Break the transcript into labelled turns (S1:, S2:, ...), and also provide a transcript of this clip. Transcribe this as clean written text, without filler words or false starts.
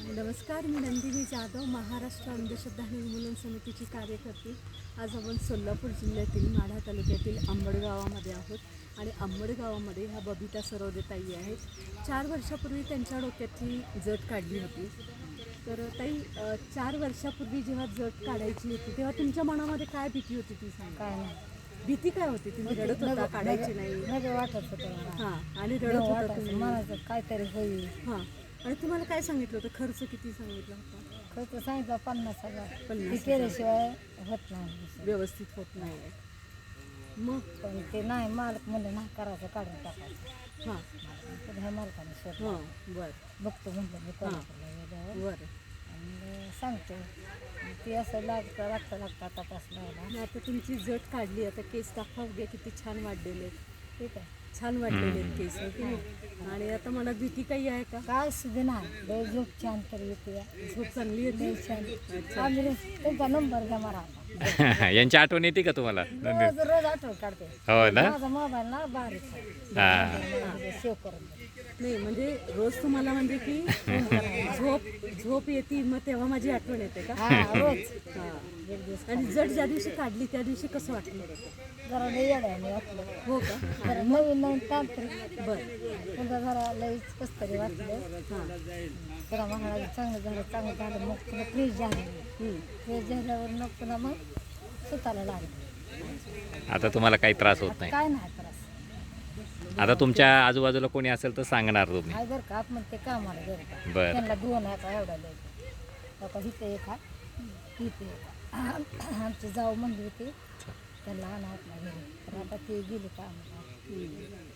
S1: नमस्कार, मी नंदिनी जाधव, महाराष्ट्र अंधश्रद्धा निर्मूलन समितीची कार्यकर्ती. आज आपण सोलापूर जिल्ह्यातील माढा तालुक्यातील अंबड गावामध्ये आहोत आणि अंबड गावामध्ये ह्या बबिता सरोदेताई आहेत. 4 वर्षापूर्वी त्यांच्या डोक्यातली जट काढली होती. तर ताई, 4 वर्षापूर्वी जेव्हा जट काढायची होती तेव्हा तुमच्या मनामध्ये काय भीती होती ती सांगा.
S2: काय नाही
S1: भीती काय होती? तुम्ही रडत होता, काढायची नाही?
S2: नग वाटत होतं
S1: हां, आणि रडत होता तुम्ही.
S2: मनाचं काहीतरी होईल.
S1: हां, आणि तुम्हाला काय सांगितलं होतं? खर्च किती सांगितला होता?
S2: खर्च सांगितलं 50,000.
S1: 50,000.
S2: ते केल्याशिवाय होत नाही.
S1: व्यवस्थित होत नाही आहे. मग
S2: पण ते नाही, मालक म्हणलं नाही करायचं, काढून टाकायचं.
S1: हां
S2: पण ह्या मालकाने शोध
S1: हां, बरं
S2: बघतो म्हणलं मी कोल्हापूरला गेल्यावर
S1: बरं.
S2: आणि सांगतो. ती असं लागता तपास लावला.
S1: मग आता तुमची जट काढली, आता केस दाखवा बघा किती छान वाढलेले आहेत.
S2: ठीक आहे,
S1: छान वाढलेले आहेत केस, हो की नाही? आणि आता मला भीती काही आहे का?
S2: काय सुद्धा नाही. लय झोप छान तर येते,
S1: झोप चांगली येते?
S2: लय छान. आम्ही तुमचा नंबर घ्या मला.
S3: यांची आठवण येते का तुम्हाला?
S2: रोज रोज आठवण काढते.
S3: हो ना.
S2: माझा मोबाईल ना बारीक आहे.
S3: हा.
S2: सेव्ह करून दे.
S1: नाही, म्हणजे रोज तुम्हाला म्हणजे की झोप येते, मग तेव्हा माझी आठवण येते का?
S2: हा, रोज
S1: हां.
S2: एक दिवस
S1: आणि जट ज्या दिवशी काढली त्या दिवशी कसं वाटलं?
S2: जरा लई येड्याने वाटलं.
S1: हो का?
S2: जरा नवीन तांत्रिक
S1: बरं.
S2: पुन्हा जरा लईच कसं तरी वाटलं.
S1: हां.
S2: जरा म्हणाला चांगलं झालं मग पुन्हा फ्रीज झालं. फ्रीज झाल्यावर मग पुन्हा मग सुताला लागलं.
S3: आता तुम्हाला काही त्रास होत नाही.
S2: काय नाही त्रास.
S3: आता तुमच्या आजूबाजूला कोणी असेल तर सांगणार तुम्ही.
S2: हाय बरं का, आपण ते कामाला गेलं का
S3: बरं.
S2: त्यांना 2 आहे का एवढा लय आता इथे एक आहे, इथे एक आहे. आमची जाऊ म्हणली होती त्यांना आणा आपल्या घरी, तर आता ते गेली का आम्हाला.